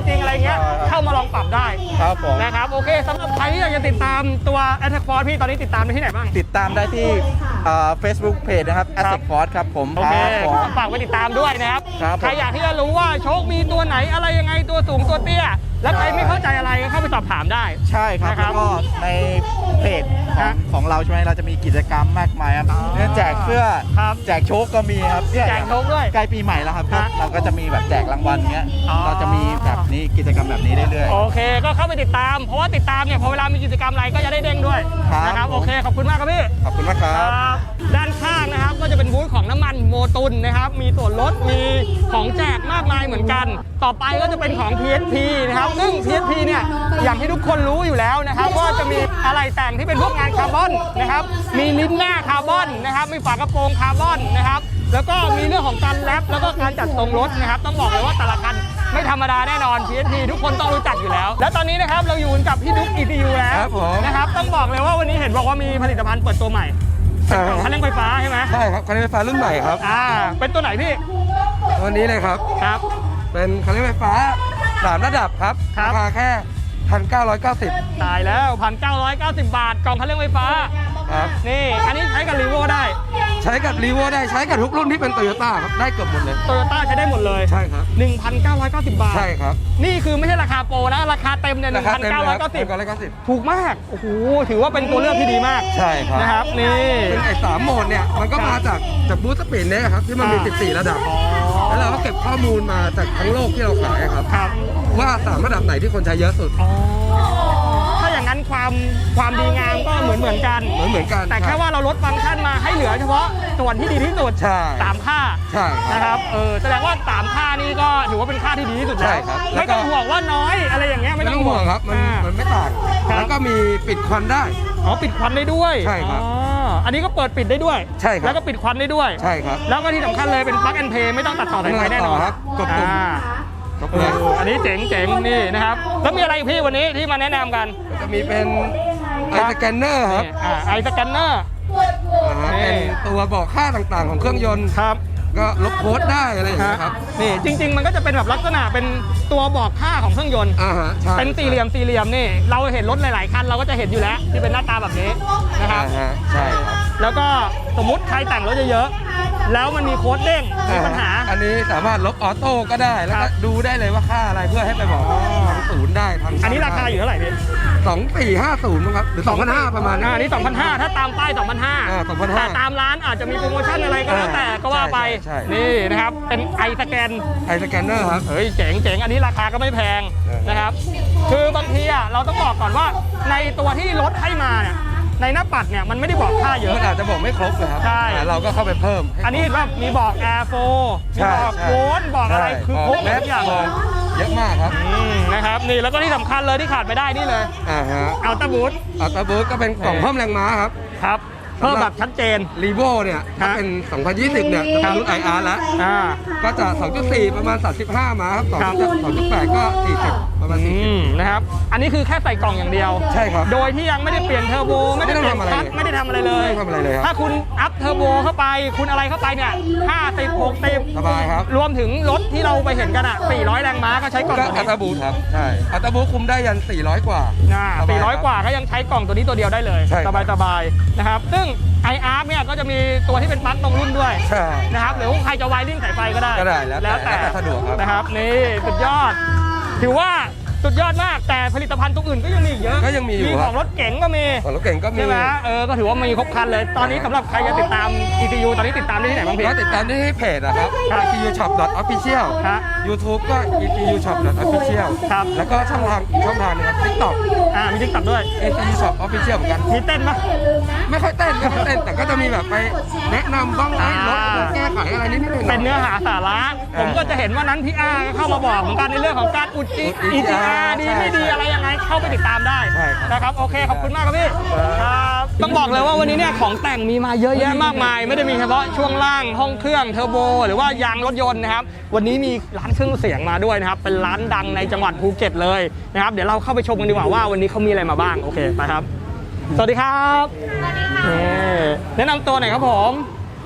A: ปรับได้
C: ครับผม
A: นะครับโอเคสำหรับใครที่อยากจะติดตามตัว Attack Force พี่ตอนนี้ติดตามได้ที่ไหนบ้าง
C: ติดตามได้ที่Facebook Page นะครับ Attack Force ครับผม
A: โอเค
C: ครับผม
A: ฝากไปติดตามด้วยนะครับ
C: ครับผม
A: ใครอยากที่จะรู้ว่าโชคมีตัวไหนอะไรยังไงตัวสูงตัวเตี้ย แล้วใครไม่เข้าใจอะไรก็เข้าไปสอบถามได้
C: ใช่ครับ
A: นะครับ
C: แล้วก็ในเพจข
A: ครั
C: อง
A: บ
C: ของเราใช่ไหมเราจะมีกิจกรรมมากมายครับ
A: อ๋อ
C: เนี่ยแจกเสื้อ
A: ครับ
C: แจกโชคก็มีครับเนี่ย
A: แจกโชคด้วย
C: ใกล้ปีใหม่แล้วครับ
A: ฮะ
C: เราก็จะมีแบบแจกรางวัลเงี้ย
A: อ๋อ
C: เราจะมีแบบนี้กิจกรรมแบบนี้เรื่อย
A: โอเคก็เข้าไปติดตาม เพราะว่าติดตามเนี่ยพอเวลามีกิจกรรมอะไรก็จะได้เด้งด้วย
C: ครับ
A: นะครับ
C: ผม
A: โอเคขอบคุณมากครับพี่
C: ๆ ขอบคุณมากครับ
A: ครับด้านข้างนะครับก็จะเป็นบูธของน้ำมันโมตุนนะครับมีส่วนลดมีของแจกมากมายเหมือนกัน ต่อไปก็จะเป็นของ PSP นะครับซึ่ง PSP เนี่ยอย่างที่ทุกคนรู้อยู่แล้วนะครับว่าจะมีอะไรแต่งที่เป็นพวกงานคาร์บอนนะครับมีลิ้นหน้าคาร์บอนนะครับมีฝากระโปรงคาร์บอนนะครับแล้วก็มีเรื่องของการแรปแล้วก็การจัดทรงรถนะครับต้องบอกเลยว่าแต่ละคันไม่ธรรมดาแน่นอน PSP ทุกคนต้องรู้จักอยู่แล้ว และตอนนี้นะครับเราอยู่กับพี่ดุ๊ก ECU แล้ว
C: ครับผม
A: นะครับต้องบอกเลยว่าวันนี้เห็นบอกว่ามีผลิตภัณฑ์เปิดตัวใหม่ เป็นกล่องคันเร่งไฟฟ้าใช่ไหม
E: ใช่ครับคันเร่งไฟฟ้ารุ่นใหม่ครับ
A: เป็นตัวไหนพี่
E: ตัวนี้เลยครับ
A: ครับ
E: เป็นคันเร่งไฟฟ้า3ระดับครับ
A: ครับ
E: ราคาแค่ 1,990
A: ตายแล้ว 1,990 บาท กล่องคันเร่งไฟฟ้า
E: ครับ
A: นี่ อันนี้ใช้กับรีโวได้
E: ใช้กับรีโวได้ใช้กับทุกรุ่นที่เป็นโตโยต้าครับ ได้เกือบหมดเลย
A: โตโยต้าใช้ได้หมดเลย
E: ใช่ครับ
A: 1,990 บาท
E: ใช่ครับ
A: นี่คือไม่ใช่ราคาโปรนะ ราคาเต็มเนี่ย
E: ราคาเต็มเลยครับ
A: 1,990
E: 1,990
A: ถูกมาก โอ้โห ถือว่าเป็นตัวเลือกที่ดีมาก
E: ใช่ครับ
A: นะครับ นี่
E: ซึ่งไอ้3โหมดเนี่ย มันก็มาจากบูสต์สปีดเนี่ยครับ ที่มันมี 14 ระดับ แล้วเราก็เก็บข้อมูลมาจากทั้งโลกที่เราขายครับ
A: ครับ
E: ว่า3ระดับไหนที่คนใช้เยอะสุด
A: อ๋อ ถ้าอย่างนั้นความดีงามก็เหมือนกัน
E: เหมือนกัน
A: แต่แค่ว่าเราลดฟังก์ชันมาให้เหลือเฉพาะส่วนที่ดีที่สุด
E: ใช่
A: 3 ค่า
E: ใช่ครับ
A: นะครับแสดงว่า3ค่านี้ก็ถือว่าเป็นค่าที่ดีที่สุด
E: ใช่
A: แล้ว
E: ครับ
A: ไม่ต้องห่วงว่าน้อยอะไรอย่างเงี้ย
E: ไม่ต้องห่วงครับ มันไม่ต่าง
A: ครับ
E: แล้วก็มีปิดควันได้
A: อ๋อปิดควันได้ด้วย
E: ใช่ครับ
A: อ๋ออันนี้ก็เปิดปิดได้ด้วย
E: ใช่ครับ
A: แล้วก็ปิดควันได้ด้วย
E: ใช่ครับ
A: แล้วก็ที่สำคัญเลยเป็น plug and play ไม่ต้องตัดต่อสายไฟแน่นอน
E: ครับกดปุ่ม ครบเลย
A: อันนี้เจ๋งนี่นะครับแล้วมีอะไรอีกพี่วันนี้ที่มาแนะนำกัน
E: จะมีเป็นไอสแกนเนอร์ครับ
A: ไอสแกนเนอร์ นี่
E: เป็นตัวบอกค่าต่างๆของเครื่องยนต์
A: ครับ
E: ก็ลบโค้ดได้อะไรอย่างเงี้ยครับ
A: นี่จริง ๆ มันก็จะเป็นแบบลักษณะเป็นตัวบอกค่าของเครื่องยนต์
E: ฮะใช่
A: เป็นสี่เหลี่ยมนี่เราเห็นรถหลายๆคันเราก็จะเห็นอยู่แล้วที่เป็นหน้าตาแบบนี้นะครับ
E: ฮะใช่ครับ
A: แล้วก็สมมุติใครแต่งรถเยอะๆแล้วมันมีโค้ดเด้งมีปัญหา
E: อันนี้สามารถลบออโต้ก็ได้แล้ว
A: ครั
E: ก็
A: บ
E: ดูได้เลยว่าค่าอะไรเพื่อให้ไปบอกทางศูนย์ได้ทาง
A: อันนี้ราคาอยู่เท่าไหร่พี่
E: 2450มั้งครับหรือ2,500ประมาณนี้
A: อันนี้2,500ถ้าตามป้าย2,500
E: 2,500
A: แต่ตามร้านอาจจะมีโปรโมชั่นอะไรก็แล้วแต่ก็ว่าไป
E: ใช่
A: นี่นะครับเป็นไอสแกน
E: ไอสแกนเนอร์ครับ
A: เฮ้ยเจ๋งอันนี้ราคาก็ไม่แพงนะครับ คือบางทีอ่ะเราต้องบอกก่อนว่าในตัวที่รถให้มาเนี่ยในหน้าปัดเนี่ยมันไม่ได้บอกค่าเยอะ
E: มันอาจจะบอกไม่ครบเลยครับ
A: ใช่
E: แต่เราก็เข้าไปเพิ่มให้
A: อันนี้เห็นว่ามีบอก Air 4มีบอก
E: ใช่
A: โวลต์บอกอะไรคือครบหมดทุกอย่าง
E: แมสเยอะมากครับ
A: นะครับนี่แล้วก็ที่สำคัญเลยที่ขาดไม่ได้นี่เลย
E: ฮะ
A: อัลต้าบูท
E: อัลตราบูสก็เป็นกล่องเพิ่มแรงม้าครับ
A: ครับเพิ่มแบบชัดเจน
E: รีโวเนี่ยถ้าเป็น 2020 เนี่ยจะเป็นรุ่น IR แล้ว ก็จะ 2.4 ประมาณ 35 ม้าครับ
A: ครับ
E: 2.8 ก็ 40 ประมาณ
A: นะครับอันนี้คือแค่ใส่กล่องอย่างเดียว
E: ใช่ครับ
A: โดยที่ยังไม่ได้เปลี่ยนเทอร์โบไม่ได้เปลี่ยนคลัตช์ไม่ได้ทำอะไรเลย
E: ไม่ต้องทำอะไรเลยครับ
A: ถ้าคุณอัพเทอร์โบเข้าไปคุณอะไรเข้าไปเนี่ย50 60
E: 40 สบายครับ
A: รวมถึงรถที่เราไปเห็นกันอ่ะ400 แรงม้าก็ใช้กล่อง
E: ก็
A: ตัว
E: อัล
A: นี้
E: ตราบูสครับ ใช่ อัลตราบูสคุมได้ยัน 400 กว่าสบายครับ
A: 400 กว่าก็ยังใช้กล่องตัวนี้ตัวเดียวได้เลย
E: ใช่ครับ
A: สบายๆนะครับซึ่ง iArc เนี่ยก็จะมีตัวที่เป็นปลั๊กตรงรุ่นด้วย
E: ใช่
A: นะครับหรือว่าใครจะไวริ่งสายไฟก็ได้
E: ก็ได้แล้วแต่สะดวกครับ
A: นะครับนี่สุดยอด ถือว่าสุดยอดมากแต่ผลิตภัณฑ์ตัวอื่นก็ยังมีอีกเยอะ
E: ก็ยังมีอยู่
A: มี
E: ค
A: ข
E: รั
A: อบ งรถเก๋งก็มี
E: ของรถเก่งก็มี
A: ใช่ไหมก็ถือว่ามีครบครันเลย ตอนนี้สำหรับใครจะติดตาม ECU ตอนนี้ติดตามได้ที่ไหนบ้างพี่
E: ก็ติดตามได้ที่เพจนะครับ ECU Shop Official
A: ฮะ
E: YouTube ก็ ECU Shop Official
A: ครับ
E: แล้วก็ช่องทางอีกช่องทางหนึงครับ TikTok
A: มีทิกตักด้วย
E: ECU Shop Official เหมือนกัน
A: มีเต้นปะ
E: ไม่ค่อยเต้นแต่ก็จะมีแบบไปแนะนำบ้างไหมรถแก้ไขอะไรนิดๆหน่อยๆ
A: เป็นเนื้อหาสาระ ผมก็จะเห็นว่านั้นพี่อาก็เข้ามาบอกเหมือนกันในเรื่องของการอุด EGR ดีไม่ดีอะไรยังไงเข้าไปติดตามได้
E: ใช่ครับ
A: นะครับโอเคขอบคุณมากครับพี่ครับต้องบอกเลยว่าวันนี้เนี่ยของแต่งมีมาเยอะแยะมากมาย ไม่ได้มีเฉพาะช่วงล่างห้องเครื่องเทอร์โบหรือว่ายางรถยนต์นะครับวันนี้มีร้านเครื่องเสียงมาด้วยนะครับเป็นร้านดังในจังหวัดภูเก็ตเลยนะครับเดี๋ยวเราเข้าไปชมกันดีกว่าว่าวันนี้เขามีอะไรมาบ้างโอเคไปครับสวัสดีครับแนะนำตัวหน่อยครับผม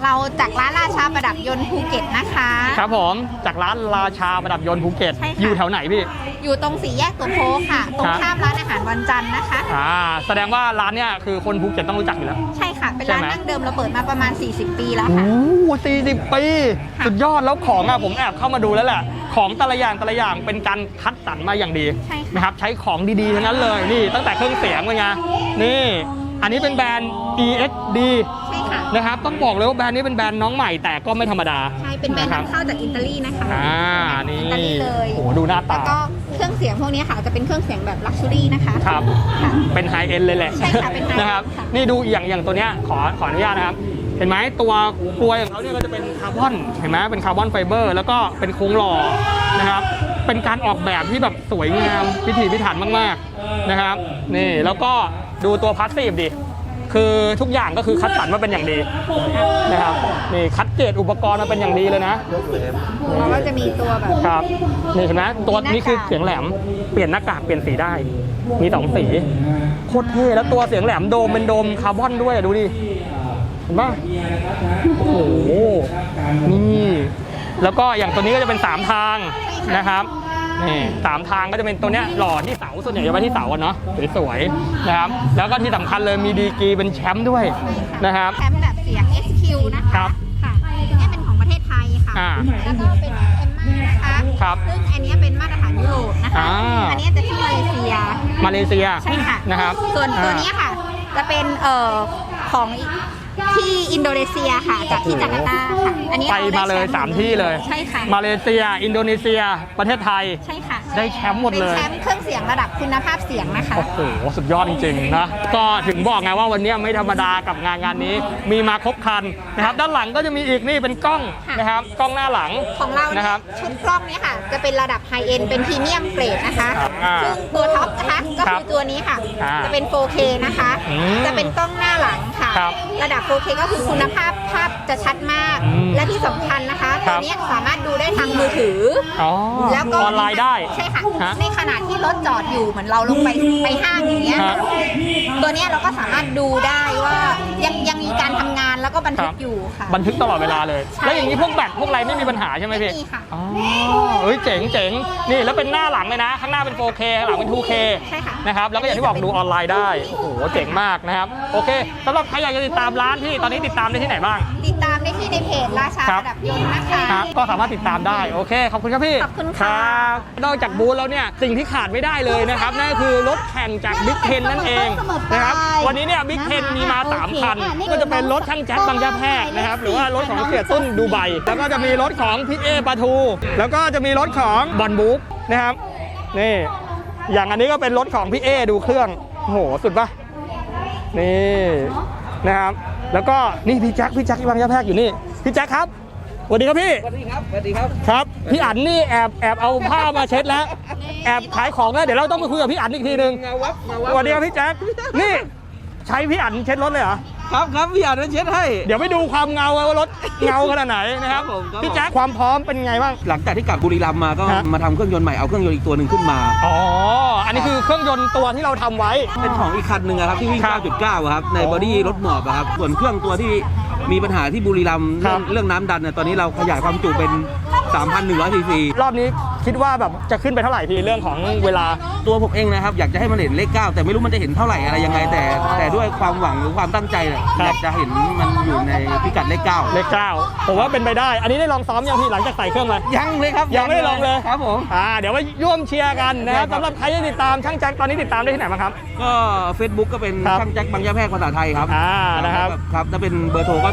F: เราจากร้านราชาประดับยนต์ภูเก็ตนะคะ
A: ครับผมจากร้านราชาประดับยนต์ภูเก็ต
F: ใช่ค่ะ
A: อยู่แถวไหนพี่
F: อยู่ตรงสี่แยกตัวโพค่ะ ตรงข้ามร้านอาหารวันจันทร์นะคะ
A: แสดงว่าร้านเนี้ยคือคนภูเก็ตต้องรู้จักอยู่แล้ว
F: ใช่ค่ะ เป็น
A: ใช่
F: ร้าน
A: ไหม
F: ดั้งเดิมเราเปิดมาประมาณ 40 ปีแล้ว
A: โอ้
F: ค่ะ
A: โห40 ปี สุดยอดแล้วของผมแอบเข้ามาดูแล้วแหละ ของแต่ละอย่างเป็นการคัดสรรมาอย่างดี
F: ใช่ค่ะ
A: นะครับใช้ของดีๆทั้งนั้นเลยนี่ตั้งแต่เครื่องเสียงเป็นไงนี่อันนี้เป็นแบรนด์ EXD
F: ใช่ค่ะ
A: นะครับต้องบอกเลยว่าแบรนด์นี้เป็นแบรนด์น้องใหม่แต่ก็ไม่ธรรมดา
F: ใช่ เป็นแบรนด์
A: ะคบ
F: นำเข้าจากอิตาลีนะคะ
A: นี่
F: อิตาลีเลย
A: โอ้โหดูหน้า
F: แล้
A: ตา
F: วก็เครื่องเสียงพวกนี้ค่ะ จะเป็นเครื่องเสียงแบบลักชัวรี่นะคะ
A: ครับ
F: ค่ะ
A: เป็นไฮเอ็นเลยแหละ
F: ใช่ค่ะเป็น high end
A: นะครับ
F: ค่ะ
A: นี่ดูอย่างตัวเนี้ยขออนุญาตนะครับ เห็นไหมตัวกลวยของเขาเนี่ยก็จะเป็นคาร์บอนเห็นไหมเป็นคาร์บอนไฟเบอร์แล้วก็เป็นโครงหล่อนะครับเป็นการออกแบบที่แบบสวยงามพิถีพิถันมากๆนะครับนี่แล้วก็ดูตัวพาสซีฟดิคือทุกอย่างก็คือคัดสรรมาเป็นอย่างดีนะครับนี่คัดเกรดอุปกรณ์มาเป็นอย่างดีเลยนะ
F: แล้วก็จะมีตัวแบบ
A: ครับนี่เห็นไหมตัว
F: มีหน้ากาก
A: นี้คือเสียงแหลมเปลี่ยนหน้ากากเปลี่ยนสีได้มี2สีโคตรเท่แล้วตัวเสียงแหลมโดมเป็นโดมคาร์บอนด้วยดูดิเห็นปะโอ้โหนี่แล้วก็อย่างตัวนี้ก็จะเป็น3ทางนะครับนี่3ทางก็จะเป็นตัวเนี้ยหล่อที่เสาส่วนใหญ่จะไว้ที่เสาอะเนาะสวยๆนะครับแล้วก็ที่สำคัญเลยมีดีกรีเป็นแชมป์ด้วยนะครับ
F: แชมป์แบบเสียง SQ นะคะ
A: ครับ
F: ค่ะนี่เป็นของประเทศไทยค่ะ แล้วก็เป็นเอ็มม่านะคะ
A: ครับ
F: ซึ่งอันนี้เป็นมาตรฐานยุโรปนะคะ อันนี้จะที่มาเลเซีย
A: มาเลเซีย
F: ใช่ค่ะ
A: นะครับ
F: ส่วนตัวนี้ค่ะ จะเป็นของที่อินโดนีเซียค่ะ จากที่จาการ์ตาค่ะ อันนี้
A: ไป
F: รด้
A: มาเลย
F: แชป์
A: 3 ที่เลย
F: ใช่ค่ะ
A: มาเลเซีย อินโดนีเซีย ประเทศไทย
F: ใช่ค่ะ
A: ได้แชมป์หมดเลย
F: เป็นแชมป์เครื่องเสียงระดับคุณภาพเสียงนะคะ
A: โอ้โห สุดยอดจริงๆนะ ก็ถึงบอกไงว่าวันนี้ไม่ธรรมดากับงานนี้ มีมาครบครันนะครับ ด้านหลังก็จะมีอีกนี่เป็นกล้อง
F: ค่ะ
A: นะครับ กล้องหน้าหลัง
F: ของเรา
A: นะ
F: เนี่ย
A: ครับ
F: ชุดกล้องเนี่ยค่ะ จะเป็นระดับไฮเอ็นเป็นพรีเมียมเกรดนะคะ
A: ครับอ่า
F: ซึ่งตัวท็อปนะคะก็
A: ครั
F: คื
A: บ
F: อตัวนี้ค่ะ
A: อ่า
F: จะเป็น 4K นะคะ
A: อืม
F: จะเป็นกล้องหน้าหลังค่ะ
A: ครับ
F: ระดับ 4K ก็คือคุณภาพภาพจะชัดมาก
A: อืม
F: และที่สำคัญนะคะ
A: ครั
F: ตัว
A: บ
F: เนี้ยสามารถดูได้ทางมือถือ
A: อ๋อ
F: แล้วก็
A: ออนไลน์ได้
F: ใช่ค่ะ
A: ฮะ
F: ในขณะที่รถจอดอยู่เหมือนเราลงไปห้างอย่างเงี้ย
A: ฮะ
F: ตัวเนี้ยเราก็สามารถดูได้ว่ายังมีการทำงานแล้วก็บันทึ
A: ครั
F: ก
A: บ
F: อยู่ค่ะ
A: บันทึกตลอดเวลาเลย
F: ใช่
A: แล้วอย่างนี้พวกแบตพวกอะไรไม่มีปัญหาใช่ไหมพี่
F: ไม่มีค่ะ
A: อ๋อเฮ้ยเจ๋งเจ๋งนี่แล้วเป็นหน้าหลังเลยนะ ข้างหน้าเป็น 4K ข้างหลังเป็น 2K
F: ใช่ค่ะ
A: นะครับแล้วก็อย่างที่บอกดูออนไลน์ได้โอ้โหเจ๋งมากนะครับโอเคสำหรับใครอยากจะติดตามร้านที่ตอนนี้ติดตามได้ที่ไหนบ้าง
F: ติดตามได้ที่ในเพจราชา
A: ครับ
F: ประดับยนต์นะคะ
A: ครับก็สามารถติดตามได้โอเคขอบคุณครับพี่
F: ขอบคุณค่ะ
A: รับนอกจากบูธแล้วเนี่ยสิ่งที่ขาดไม่ได้เลยนะครับนั่นก็คือรถแข่งจากบิ๊กเทนนั่นเองนะครับวันนี้เนี่ยบิ๊กเทนมีมา3คันก็จะเป็นรถช่างแจ็คบางยะแพรกนะครับหรือว่ารถของเสียตุ้นดูไบแล้วก็จะมีรถของพี่เอปาทูแล้วก็จะมีรถของบอลบุ๊กนะครับนี่อย่างอันนี้ก็เป็นรถของพี่เอดูเครื่องโอ้โหสุดปะนี่นะครับแล้วก็นี่พี่แจ็คบางยะแพรกอยู่นี่พี่แจ็คครับสวัสดีครับพี่
E: สวัสดีครับ สวัสดีครับ
A: ครับพี่อั๋นนี่แอบเอาผ้ามาเช็ดแล้วแอบขายของแล้วเดี๋ยวเราต้องไปคุยกับพี่อั๋นอีกทีนึง
E: เงาวับ
A: สวัสดีครับพี่แจ็คนี่ใช้พี่อั๋นเช็ดรถเลยเหรอ
E: ครับพี่อาจจะเช็ดให้
A: เดี๋ยวไปดูความเงาว่ารถเงาขนาดไหนนะครับ
E: ครับผมครับ
A: พี่แจ็คความพร้อมเป็นไงบ้าง
E: หลังจากที่กลับบุรีรัมย์มาก็
A: ฮะ
E: มาทำเครื่องยนต์ใหม่เอาเครื่องยนต์อีกตัวหนึ่งขึ้นมา
A: อ๋ออันนี้คือเครื่องยนต์ตัวที่เราทำไว้
E: เป็นของอีกคันหนึ่งอะครับที่วิ่ง
A: ครับ
E: 9.9อะครับในบอดี้รถหมอบอะครับส่วนเครื่องตัวที่มีปัญหาที่บุรีรัมย์
A: ครับ
E: เรื่องน้ำดันเนี่ยตอนนี้เราขยายความจุเป็น 3,100 ซีซี
A: รอบนี้คิดว่าแบบจะขึ้นไปเท่าไหร่พี่เรื่องของเวลา
E: ตัวผมเองนะครับอยากจะให้มันเห็นเลข 9 แต่ไม่รู้มันจะเห็นเท่าไหร่อะไรยังไง แต่ด้วยความหวังหรือความตั้งใจเนี่ย
A: ครับ
E: อยากจะเห็นมันอยู่ในพิกัดเลข 9
A: เลข9ผมว่าเป็นไปได้ อันนี้ได้ลองซ้อมยังพี่หลังจากใส่เครื่องมา
E: ยังเลยครับ
A: ยังไม่ได้ลองเลย
E: ครับผม
A: เดี๋ยวมาร่วมเชียร์กันนะครับ
E: ได้ครับ
A: สำหรับใครที่ติดตามช่างแจ็คตอนนี้ติดตามได้ที่ไหนบ้างครับ
E: ก็ Facebook ก็เป็น
A: ครับ
E: ช่างแจ็คบางยะแพรกภาษาไทยครับ
A: นะครับ
E: ครับถ้าเป็นเบอร์โทรก็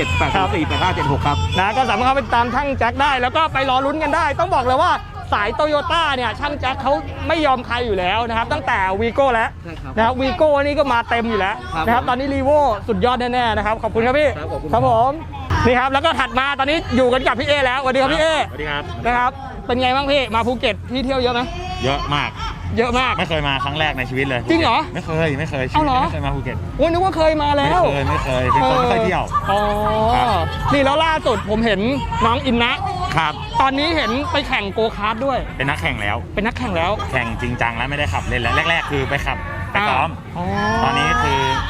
E: 0878048576 ครับ
A: นะก็สามารถเข้าไปติดตามช่างแจ็คได้ แล้วก็ไปรอลุ้นกันได้ ต้องบอกเลยว่าสายโตโยต้าเนี่ยช่างแจ็คเขาไม่ยอมใครอยู่แล้วนะครับตั้งแต่วีโก้แล้ว
E: ใช่ครับ
A: นะครับวีโก้นี่ก็มาเต็มอยู่แล้ว
E: ครับ
A: นะครับตอนนี้รีโวสุดยอดแน่ๆนะครับขอบคุณครับพี่
E: ครับขอบคุณ
A: ครับผมนี่ครับแล้วก็ถัดมาตอนนี้อยู่กันกับพี่เอแล้วสวัสดีครับพี่เอ
D: สวัสดีครับ
A: นะครับเป็นไงบ้างพี่มาภูเก็ตที่เที่ยวเยอะไหม
D: เยอะมาก
A: เยอะมาก
D: ไม่เคยมาครั้งแรกในชีวิตเลย
A: จริงเหรอ
D: ไม่เคยชี
A: เอา
D: วิต
A: เหรอ
D: ไม่เคยมาภูเก็ต
A: โอ้ยนึกว่าเคยมาแล้ว
D: ไม่เคยเป็นคนไม่เคยเที่ยว
A: อ๋อ
D: ครับ
A: นี่แล้วล่าสุดผมเห็นน้องอินนะครับ ตอนนี้เห็นไปแข่งโกคาร์ทด้วย
D: เป็นนักแข่งแล้ว
A: เป็นนักแข่งแล้ว
D: แข่งจริงจังแล้วไม่ได้ขับเล่นแล้วแรกๆ คือไปขับไปซ้อม
A: อ๋อ
D: ตอนนี้คือท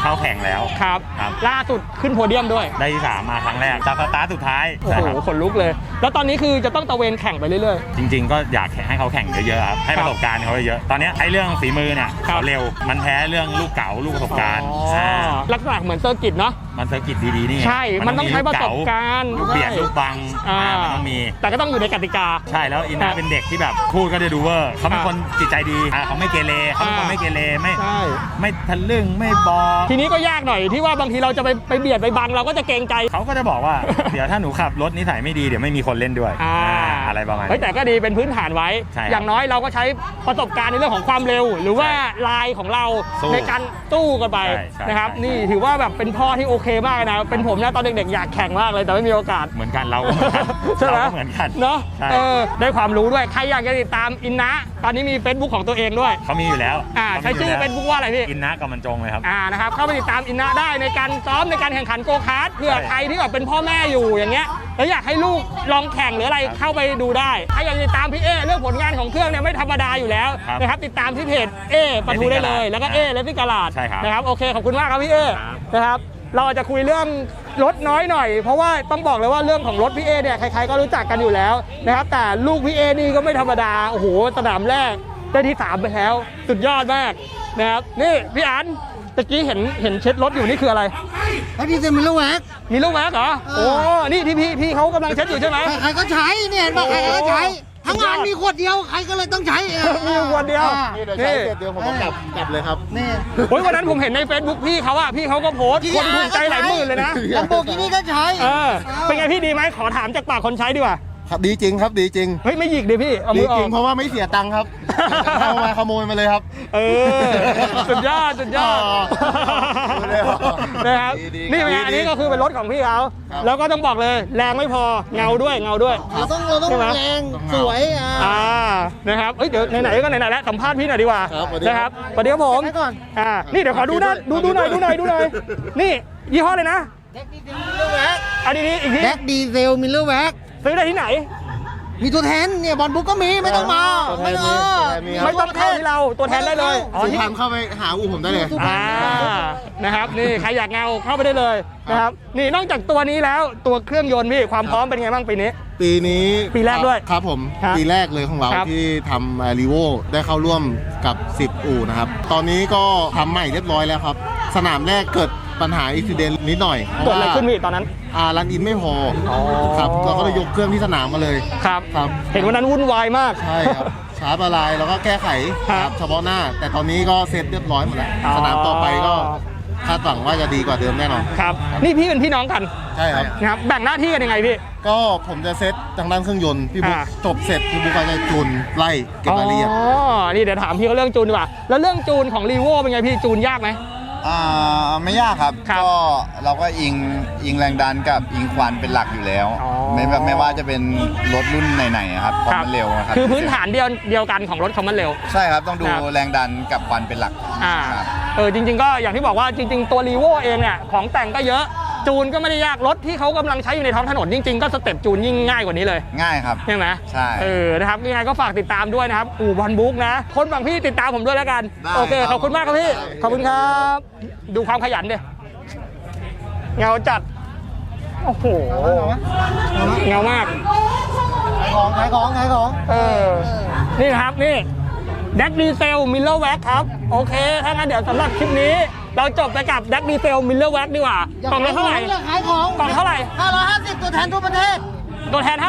G: เข้าแข่งแล้ว
A: ครับ
G: ครับ
A: ล่าสุดขึ้นโพเดียมด้วย
G: ได้ที่ 3 มาครั้งแรกจากสตาร์ทสุดท้าย
A: โอ้
G: ใช่
A: โห
G: ครับ
A: ขนลุกเลย แล้วตอนนี้คือจะต้องตะเวนแข่งไปเรื่อย
G: จริง ๆ ก็อยากให้เขาแข่งเยอะๆครับให้ประสบการณ์เขาเยอะๆตอนนี้ไอ้เรื่องฝีมือเนี่ย
A: ครับ
G: เขาเร็วมันแพ้เรื่องลูกเก๋าลูกประสบการณ์
A: ลักษณะเหมือนเซอร์กิตเนาะ
G: มันเซอร์กิตดีๆนี่
A: ใช่มันต้องใช้ประสบการณ์
G: ลูกเบียดลูกบัง
A: อ่า
G: มันต้องมี
A: แต่ก็ต้องอยู่ในกติกา
G: ใช่แล้วอินนาเป็นเด็กที่แบบพูดก็จะดูเวอร์เขาเป็นคนจิตใจดีเขาไม่เกเรเขาเป็นคนไม่เกเรไม่
A: ใช่
G: ไม่ทะลึ่งไม่บอ
A: ทีนี้ก็ยากหน่อยที่ว่าบางทีเราจะไปเบียดไปบังเราก็จะเกรงใจ
G: เขาก็จะบอกว่า เดี๋ยวถ้าหนูขับรถนิสัยไม่ดีเดี๋ยวไม่มีคนเล่นด้วยอะไรประมาณ
A: เฮ้ยแต่ก็ดีเป็นพื้นฐานไว้
G: ใช่ครับ
A: อย่างน้อยเราก็ใช้ประสบการณ์ในเรื่องของความเร็ว หรือว่าลายของเรา
G: สู้
A: ในการตู้กันไป
G: ใช่
A: นะครับ
G: ใช่
A: นี่ถือว่าแบบเป็นพ่อที่โอเคมากนะเป็นผมนะตอนเด็กๆอยากแข่งมากเลยแต่ไม่มีโอกาส
G: เหมือนกันเราก็เหมือนกัน
A: ใช่ไหม
G: เราก็เหมือนกัน
A: เนาะ
G: ใช่
A: ได้ความรู้ด้วยใครอยากจะติดตามอินนะตอนนี้มี Facebook ของตัวเองด้วย
G: เขามีอยู่แล้ว
A: ใช้ชื่อ Facebook ว่าอะไรพี่
G: อินนะกับมันจงเลยครับ
A: นะครับเข้าไปติดตามอินนะได้ในการซ้อมในการแข่งขันโกคาร์ทเผื่อ
G: ใช่
A: ใครที่แบบเป็นพ่อแม่อยู่อย่างเงี้ยแล้วอยากให้ลูกลองแข่งหรืออะไรเข้าไปดูได้ใครอยากติดตามพี่เอเรื่องผลงานของเครื่องเนี่ยไม่ธรรมดาอยู่แล้ว
G: ครับ
A: นะครับติดตามที่เพจเอปะทูได้เลยแล้วก็เอเลสซิ่งกาลาด
G: ใช่ครับ
A: นะครับโอเคขอบคุณมากครับพี่เอ
G: ครับ
A: นะครับเราอาจจะคุยเรื่องรถน้อยหน่อย เพราะว่าต้องบอกเลยว่าเรื่องของรถพี่เอเนี่ยใครๆก็รู้จักกันอยู่แล้วนะครับแต่ลูกพี่เอนี่ก็ไม่ธรรมดาโอ้โหสนามแรกได้ที่ 3 ไปแล้วสุดยอดมากนะครับนี่พี่อันตะกี้เห็นเช็ดรถอยู่นี่คืออะไร
H: ไอ้ที่จะมีลูกแหวก
A: มีลูกแม็กเหรอโอ้นี่ที่พี่เขากำลังเช็ดอยู่ใช่ไหม
H: ใครก็ใช้เนี่ยเห็นบอกใครก็ใช้ ทั้งงานมีขวดเดียวใครก็เลยต้องใช้
A: มีอยู่คนเดียว
H: นี่เดี๋ยวผมต้องกลับเลยครับนี่
A: โอ้ยวันนั้นผมเห็นใน Facebook พี่เขาอะพี่เขาก็โพสต์คนถูกใจหลายหมื่นเลยนะ
H: ลัมโบกินี่ก็ใช้
A: เป็นไงพี่ดีไหมขอถามจากปากคนใช้ดีกว่า
H: ครับดีจริงครับดีจริง
A: เฮ้ยไม่หยิกดิพี่เอามื
H: ดี
A: ออ
H: จริ
A: อง ก
H: เพราะว่าไม่เสียตังค์ครับเอามาขโมยมาเลยครับ
A: สุดยอดสุดยอด
H: เลยเหรอ
A: นะครับ
H: ดี
A: นี่เป็นไง
H: ดี
A: อันนี้ก็คือเป็นรถของพี่เขา
H: ครับ
A: แล้วก็ต้องบอกเลยแรงไม่พอเงาด้วย
H: เราต้อง
A: ใช่ไหม
H: แรงสวย
A: นะครับเอ้ยเดี๋ยวไหนๆก็ไหนๆแล้วสัมภาษณ์พี่หน่อยดีกว่า
H: ครับสวัสดี
A: นะครับสวัสดีครับผม
H: ให้ก่อน
A: นี่เดี๋ยวขอดูหน้าดูหน่อยนี่ยี่ห้อเลยนะ
H: แดกดีเซลมิลเลอร์แว็ก
A: อันนี้อีกที
H: แดกดีเซลมิลเลอร์แว็ก
A: ซื้อได้ที่ไหน
H: มีตัวแทนเนี่ยบอลบุ๊กก็มีไม่ต้องมาไม่ต้อง
A: ไม่ต้องเข้าที่เราตัวแทนได้เลยอ๋อ
H: ซื้อ
A: ที่
H: ทางเข้าไปหาอู่ผมได้เลย
A: นะครับนี่ใครอยากเงาเข้าไปได้เลยนะครับนี่นอกจากตัวนี้แล้วตัวเครื่องยนต์พี่ความพร้อมเป็นไงบ้างปีนี้
H: ปีนี้
A: ปีแรกด้วย
H: ครับผม
A: ครับ
H: ปีแรกเลยของเรา
A: ครับ
H: ที่ทำรีโวได้เข้าร่วมกับ 10 อู่นะครับ ตอนนี้ก็ทำใหม่เรียบร้อยแล้วครับ สนามแรกเกิดปัญหาอุบิเหตุนิดหน่อย
A: เกิดอะไรขึ้นพี่ตอนนั้น
H: รันอินไม่พอครับเราก็เลยยกเครื่องที่สนามมาเลย
A: ครับ
H: ครับ
A: เห็นวันนั้นวุ่นวายมาก
H: ใช่ครับ ชาร์จอะไรแล้วก็แก้ไข
A: ครับ
H: เฉพาะหน้า แต่ตอนนี้ก็เสร็จเรียบร้อยหมดแล้ว
A: อ๋อ
H: สนามต่อไปก็คาดหวังว่าจะดีกว่าเดิมแน่นอน
A: ครับนี่พี่เป็นพี่น้องกัน
H: ใช่ครับ
A: นะครับแบ่งหน้าที่กันยังไงพี่
H: ก็ผมจะเซตทางด้านเครื่องยนต์พี่บุ๊ก
A: อ่า
H: จบเสร็จพี่บุ๊กก็จะจูนไล่เก็บรายละเอียด
A: อ๋อนี่เดี๋ยวถามพี่เขาเรื่องจูนดีกว่าแล้วเรื่องจูนของรีโวเป็นไงพี่จูนยากไหม
I: ไม่ยากครับ
A: ครับ
I: ก็เราก็อิงแรงดันกับอิงควันเป็นหลักอยู่แล้ว
A: อ๋อ
I: ไม่ว่าจะเป็นรถรุ่นไหนๆอะครับความมันเร็วะครับ
A: คือพื้นฐานเดียวกันของรถคอมมันเร็ว
I: ใช่ครับต้องดู
A: ครับ
I: แรงดันกับควันเป็นหลัก ครับ
A: จริงๆก็อย่างที่บอกว่าจริงๆตัวรีโวเองเนี่ยของแต่งก็เยอะจูนก็ไม่ได้ยากรถที่เขากำลังใช้อยู่ในท้องถนนจริงๆก็สเต็ปจูนยิ่งง่ายกว่านี้เลย
I: ง่ายครับ
A: ใช่ไหม
I: ใช่
A: นะครับยังไงก็ฝากติดตามด้วยนะครับอู่บอลบุ๊กนะคนบางพี่ติดตามผมด้วยแล้วกัน
I: ได้
A: โอเค
I: ครับ
A: ขอบคุณมากครับพี่
I: ได้
A: ขอบคุณครับ ดูความขยันดิเงาจัดโอ้โหเงามาก
H: ขายของ
A: นี่นะครับนี่แดกดีเซลมิลเลอร์แว็กครับโอเคถ้างั้นเดี๋ยวสำหรับคลิปนี้ เราจบไปกับแดกดีเซลมิลเลอร์แว็กดีกว่ากล่องละเท่าไหร่
H: ขายของ
A: กล่องเท่าไหร่
H: 550 ตัวแทนทั่วประเทศ
A: ตัวแทน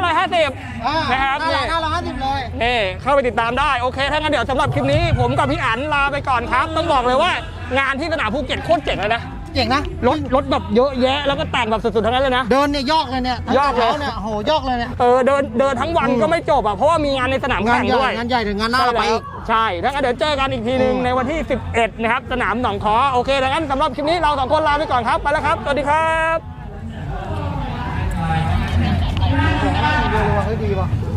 A: 550 นะครับนี่
H: 550 เลย
A: เข้าไปติดตามได้โอเคถ้างั้นเดี๋ยวสำหรับคลิปนี้ผมกับพี่อั๋นลาไปก่อนครับ ต้องบอกเลยว่างานที่สนามภูเก็ตโคตรเจ๋งเลยนะ
H: เจ๋งนะ
A: รถแบบเยอะแยะแล้วก็แต่งแบบสุดๆทั้งนั้นเลยนะ
H: เดินเนี่ยยอกเลยเนี่ย
A: ยอกเลย
H: เนี่ยโหยอกเลยเนี่ย
A: เดินทั้งวันก็ไม่จบอ่ะเพราะว่ามีงานในสนาม
H: งาน
A: แข่ง
H: ให
A: ด้ว
H: ญ่
A: ย
H: งานใหญ่ถึงงานหน้าเราไปอีก
A: ใช่ถ้างั้นเดี๋ยวเจอกันอีกทีหนึ่งในวันที่ 11 นะครับสนามหนองคอโอเคดังนั้นสำหรับคลิปนี้เราสองคนลาไปก่อนครับไปแล้วครับสวัสดีครับ
H: เฮ้ยดีว่ะ